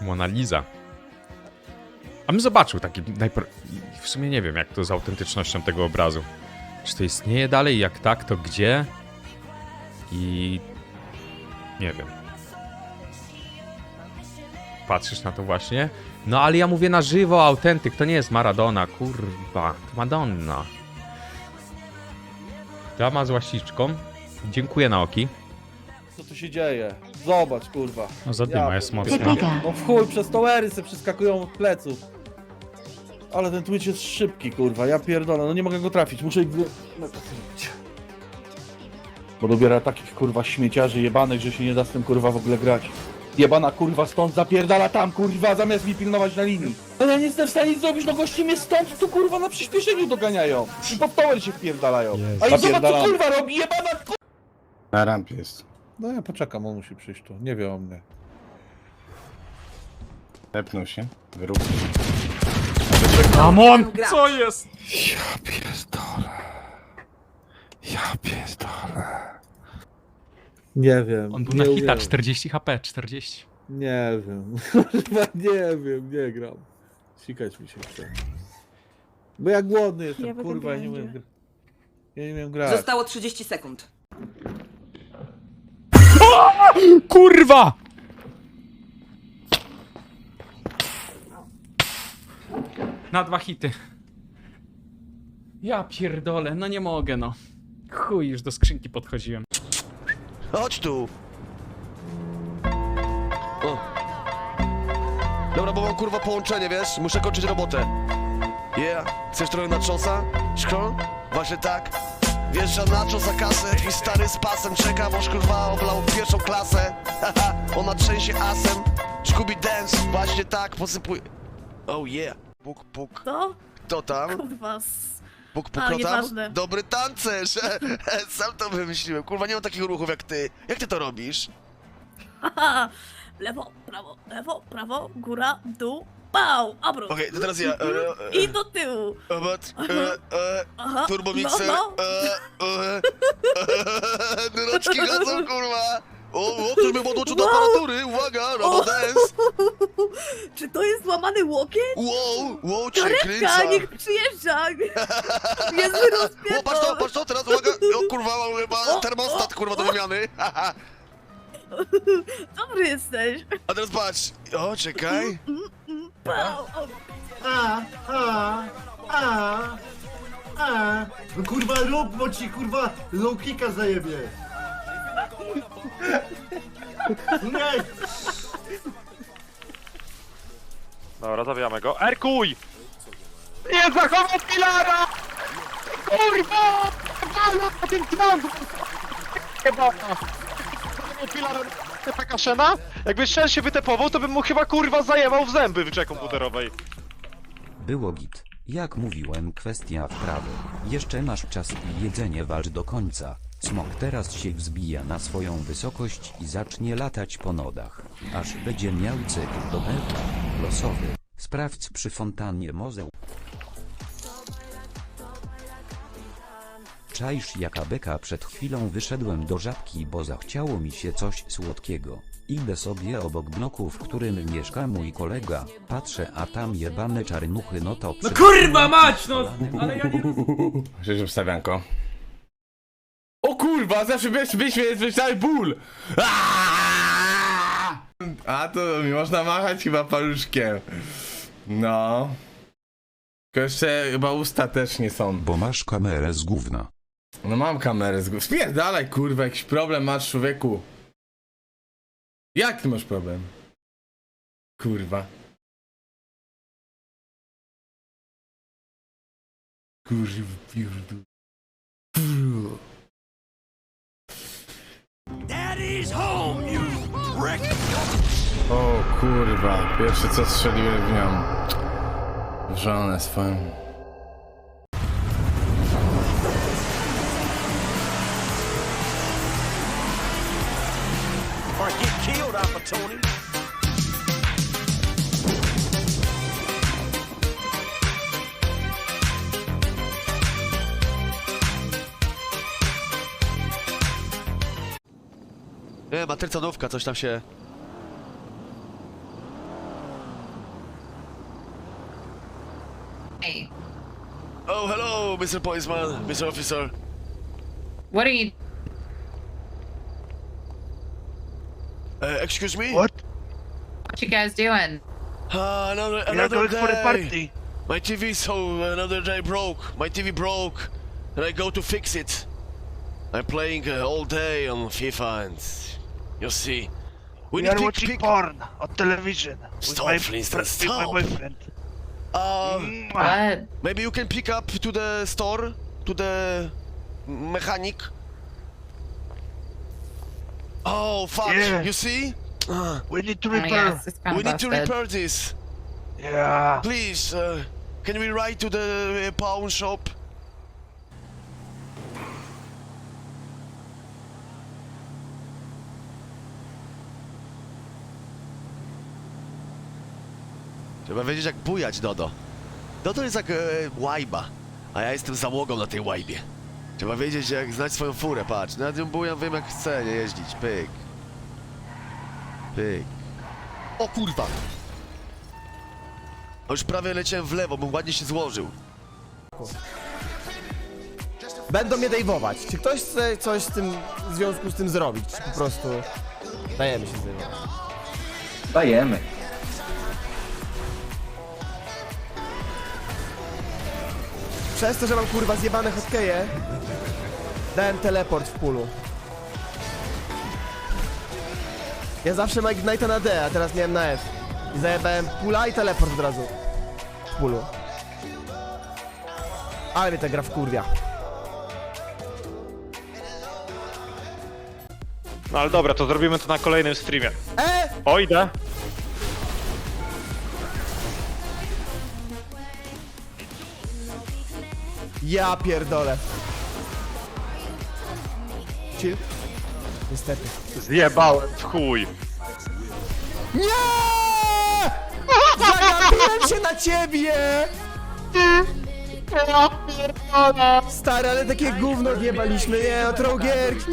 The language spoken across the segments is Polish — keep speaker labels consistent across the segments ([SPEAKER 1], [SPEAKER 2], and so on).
[SPEAKER 1] Mona Lisa. A bym zobaczył taki w sumie nie wiem, jak to z autentycznością tego obrazu. Czy to istnieje dalej? Jak tak, to gdzie? I... nie wiem. Patrzysz na to właśnie? No ale ja mówię na żywo, autentyk, to nie jest Maradona, kurwa. To Madonna. Dama z łasiczką. Dziękuję, Naoki.
[SPEAKER 2] Co tu się dzieje? Zobacz, kurwa.
[SPEAKER 1] No zadyma jest mocna.
[SPEAKER 2] No w chuj, przez towery se przeskakują od pleców. Ale ten Twitch jest szybki, kurwa, ja pierdolę, no nie mogę go trafić, muszę ich Bo dobiera takich, kurwa, śmieciarzy jebanych, że się nie da z tym, kurwa, w ogóle grać. Jebana, kurwa, stąd zapierdala tam, kurwa, zamiast mi pilnować na linii. No ja nie jestem w stanie nic zrobić, no gości mnie stąd tu, kurwa, na przyspieszeniu doganiają. I pod tower się wpierdalają. A i zobacz, co, kurwa, robi, jebana, kurwa.
[SPEAKER 3] Na rampie jest.
[SPEAKER 2] No ja poczekam, on musi przyjść tu, nie wie o mnie.
[SPEAKER 3] Tepnął się. Wyrób.
[SPEAKER 1] Ramon! Co jest?
[SPEAKER 2] Ja pierdolę. Ja pierdolę. Nie wiem.
[SPEAKER 1] On był na hita, 40 HP, 40.
[SPEAKER 2] Nie wiem. Chyba nie wiem, nie gram. Sikać mi się chce. Bo ja głodny jestem, kurwa, ja nie umiem grać. Ja nie umiem grać.
[SPEAKER 4] Zostało 30 sekund.
[SPEAKER 1] Kurwa! Na 2 hity. Ja pierdolę, no nie mogę, no. Chuj, już do skrzynki podchodziłem.
[SPEAKER 5] Chodź tu! O. Dobra, bo mam kurwa połączenie, wiesz? Muszę kończyć robotę. Yeah, chcesz trochę nachosa? Szkron? Właśnie tak. Wjeżdża nacho za kasę i stary z pasem czeka, boż kurwa oblał pierwszą klasę. Haha, ona trzęsie asem. Scooby Dance, właśnie tak, posypuj. Oh yeah. Puk, puk.
[SPEAKER 6] To?
[SPEAKER 5] Kto tam?
[SPEAKER 6] Kurwa.
[SPEAKER 5] Puk, puk,
[SPEAKER 6] A,
[SPEAKER 5] kto tam?
[SPEAKER 6] nieważne.
[SPEAKER 5] Dobry tancerz! Sam to wymyśliłem. Kurwa, nie mam takich ruchów jak ty. Jak ty to robisz?
[SPEAKER 6] Haha. Lewo, prawo, góra, dół, pał, obrót.
[SPEAKER 5] Okej, to teraz ja.
[SPEAKER 6] I do tyłu. Aha,
[SPEAKER 5] Turbomixer.
[SPEAKER 6] no.
[SPEAKER 5] Noczki chodzą, kurwa. O, ktoś mnie podłączył do aparatury. Uwaga, robodance.
[SPEAKER 6] Czy to jest złamany łokieć?
[SPEAKER 5] Wow, cię
[SPEAKER 6] Karetka,
[SPEAKER 5] kręca.
[SPEAKER 6] niech przyjeżdża. Jest
[SPEAKER 5] O, patrz to, teraz uwaga. O, kurwa, mam chyba termostat, kurwa, do wymiany.
[SPEAKER 6] Dobry jesteś.
[SPEAKER 5] A teraz patrz. O, czekaj.
[SPEAKER 6] Pał,
[SPEAKER 7] No kurwa rób, bo ci kurwa low kicka zajebie. Nie!
[SPEAKER 8] Dobra, zabijamy go. Erkuj! Nie zachował Pilara! Kurwa! Pana ten trąd! Chyba! Pilar taka szena? Jakby Shen się wytepował, to bym mu chyba kurwa zajebał w zęby w grze komputerowej.
[SPEAKER 9] Było git. Jak mówiłem, kwestia wprawy. Jeszcze masz czas i jedzenie walcz do końca. Smok teraz się wzbija na swoją wysokość i zacznie latać po nodach. Aż będzie miał cykl do belka. Losowy. Sprawdź przy fontannie mozeł. Czaisz jaka beka, przed chwilą wyszedłem do Żabki, bo zachciało mi się coś słodkiego. Idę sobie obok bloku, w którym mieszka mój kolega, patrzę, a tam jebane czarnuchy, no to...
[SPEAKER 10] No kurwa mać, no! Ale ja nie...
[SPEAKER 3] Przecież wstawianko. O kurwa, zawsze wyświetlały ból! A to mi można machać chyba paluszkiem. No. Tylko jeszcze chyba usta też nie są.
[SPEAKER 9] Bo masz kamerę z gówna.
[SPEAKER 3] No mam kamerę z gówna. Spierdalaj kurwa, jakiś problem masz, człowieku. Jak ty masz problem? Kurwa. Kurwa, pierdol. O kurwa, pierwsze co strzeliłem w nią. W żonę swoją.
[SPEAKER 5] Nie, matryca nówka, coś tam się...
[SPEAKER 4] Hey,
[SPEAKER 5] Oh, hello, Mr. Policeman, Mr. Officer.
[SPEAKER 4] what are you?
[SPEAKER 5] Excuse me?
[SPEAKER 7] What?
[SPEAKER 4] What you guys doing?
[SPEAKER 5] Another day. My TV, so another day broke. My TV broke, and I go to fix it. I'm playing all day on FIFA, and you see, we need to pick.
[SPEAKER 7] porn on television.
[SPEAKER 5] Stop, Flintstone, stop.
[SPEAKER 7] boyfriend.
[SPEAKER 4] What?
[SPEAKER 5] Maybe you can pick up to the store, to the mechanic. Oh fuck!
[SPEAKER 7] Yeah.
[SPEAKER 5] You see?
[SPEAKER 7] We need to
[SPEAKER 4] Oh, yes, it's kind
[SPEAKER 5] We
[SPEAKER 4] of
[SPEAKER 5] need to
[SPEAKER 4] busted.
[SPEAKER 5] repair this.
[SPEAKER 7] Yeah.
[SPEAKER 5] Please, can we ride to the pawn shop? Trzeba wiedzieć jak bujać, Dodo. Dodo jest jak łajba, a ja jestem załogą na tej łajbie. Trzeba wiedzieć jak znać swoją furę, patrz. Nad nią bujam, wiem jak chcę nie jeździć. Pyk. Pyk. O kurwa! A już prawie leciałem w lewo, bym ładnie się złożył.
[SPEAKER 11] Będą mnie dejwować. Czy ktoś chce coś z tym, w związku z tym zrobić? Czy po prostu dajemy się zdejmować?
[SPEAKER 2] Dajemy.
[SPEAKER 11] Przez to, że mam kurwa zjebane hotkeje, dałem teleport w pulu. Ja zawsze mam Ignite'a na D, a teraz miałem na F. I zajebałem pula i teleport od razu w pulu. Ale mnie ta gra wkurwia.
[SPEAKER 8] No ale dobra, to zrobimy to na kolejnym streamie.
[SPEAKER 11] E!
[SPEAKER 8] O, idę.
[SPEAKER 11] Ja pierdolę. Chill. Niestety.
[SPEAKER 8] Zjebałem w chuj.
[SPEAKER 11] Nie! Zagapiłem się na ciebie! Stary, ale takie gówno odjebaliśmy, nie, no trołgierki.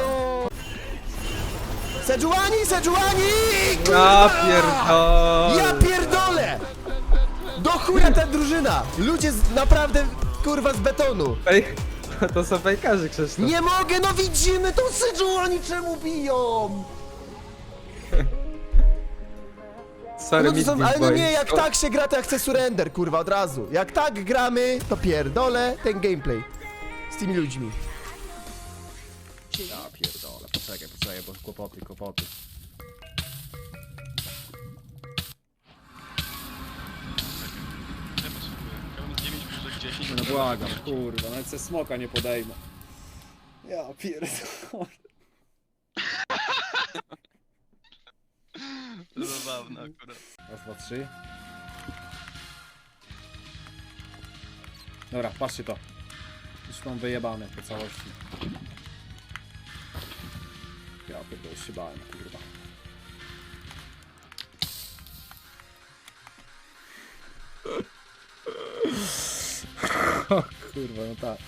[SPEAKER 11] Sejuani, Sejuani!
[SPEAKER 10] Ja pierdolę.
[SPEAKER 11] Ja pierdolę! Do chuja ta drużyna! Ludzie naprawdę, kurwa, z betonu.
[SPEAKER 10] To są fejkarzy, Krzysztof.
[SPEAKER 11] Nie mogę, no widzimy to Sejuani czemu biją!
[SPEAKER 10] Sorry,
[SPEAKER 11] No to są, ale no
[SPEAKER 10] boy.
[SPEAKER 11] nie, jak tak się gra, to ja chcę surrender, kurwa, od razu. Jak tak gramy, to pierdolę ten gameplay. Z tymi ludźmi. Ja pierdolę, poczekaj, bo kłopoty.
[SPEAKER 10] No błagam, kurwa, nawet se smoka nie podejmę. Ja pierdolę.
[SPEAKER 5] Zabawne akurat.
[SPEAKER 10] Raz, dwa, trzy. Dobra, patrzcie to. Już mam wyjebane po całości. Ja pierdolę, się bałem, kurwa. O kurwa, no tak.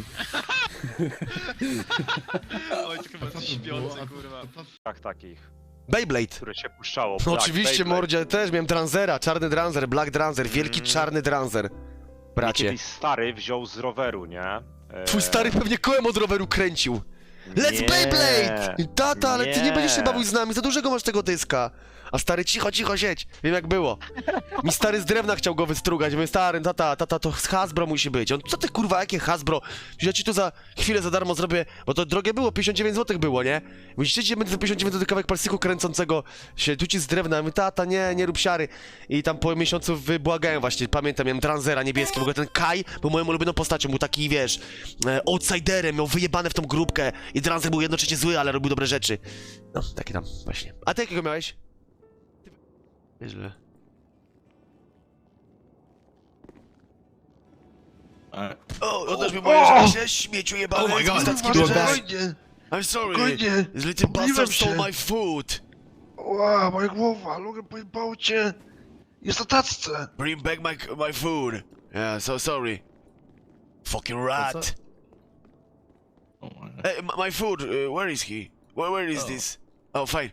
[SPEAKER 5] Oj, to chyba coś śpiący, kurwa.
[SPEAKER 8] Tak, takich,
[SPEAKER 5] Beyblade.
[SPEAKER 8] które się puszczało.
[SPEAKER 5] No
[SPEAKER 8] Black
[SPEAKER 5] oczywiście,
[SPEAKER 8] Beyblade.
[SPEAKER 5] mordzie, też miałem Dranzera, czarny Dranzer, Black Dranzer, wielki czarny Dranzer. Bracie.
[SPEAKER 8] Kiedyś stary wziął z roweru, nie?
[SPEAKER 5] Twój stary pewnie kołem od roweru kręcił. Let's
[SPEAKER 8] Nie.
[SPEAKER 5] Beyblade! Tata, ale ty nie
[SPEAKER 8] Nie.
[SPEAKER 5] będziesz się bawił z nami, za dużego masz tego dyska. A stary, cicho siedź. Wiem jak było. Mi stary z drewna chciał go wystrugać. Mówię, stary, tata, to z Hasbro musi być. On, co ty kurwa, jakie Hasbro? Ja ci to za chwilę za darmo zrobię, bo to drogie było, 59 zł było, nie? Myślicie, że będzie za 59 zł kawałek plastiku kręcącego się tu ci z drewna. Mówię, tata, nie rób siary. I tam po miesiącu wybłagałem właśnie, pamiętam, miałem Dranzera niebieski, w ogóle ten Kai był moją ulubioną postacią, był taki, wiesz, outsiderem, miał wyjebane w tą grupkę i Dranzer był jednocześnie zły, ale robił dobre rzeczy. No, takie tam właśnie. A ty jakiego miałeś? Nieźle. O, oddasz mi moje rzeczy, śmieciu jebany,
[SPEAKER 3] Oh my God.
[SPEAKER 5] Spokojnie. I'm sorry.
[SPEAKER 7] Spokojnie.
[SPEAKER 5] This little
[SPEAKER 7] Pomyliłem
[SPEAKER 5] bastard stole
[SPEAKER 7] się.
[SPEAKER 5] my food.
[SPEAKER 7] Ła, moja głowa, Logan pojebało cię. Jest na tacce.
[SPEAKER 5] Bring back my food. Yeah, so sorry. Fucking rat. Hey, my food, where is he? Where is this? Oh, fine.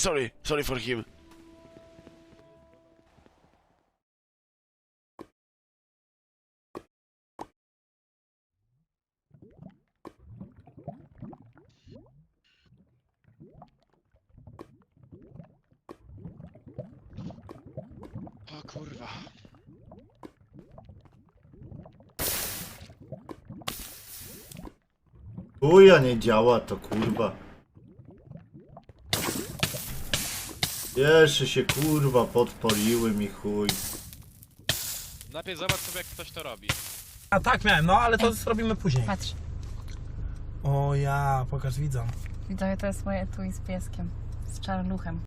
[SPEAKER 5] Sorry for him.
[SPEAKER 8] kurwa.
[SPEAKER 11] Chuja nie działa to kurwa. Jeszcze się kurwa podpaliły mi chuj.
[SPEAKER 8] Najpierw zobacz sobie jak ktoś to robi.
[SPEAKER 10] A tak miałem, no ale to zrobimy później.
[SPEAKER 4] Patrz,
[SPEAKER 10] O ja, pokaż widzom.
[SPEAKER 4] widzowie, to jest moje etui z pieskiem. Z czarnuchem.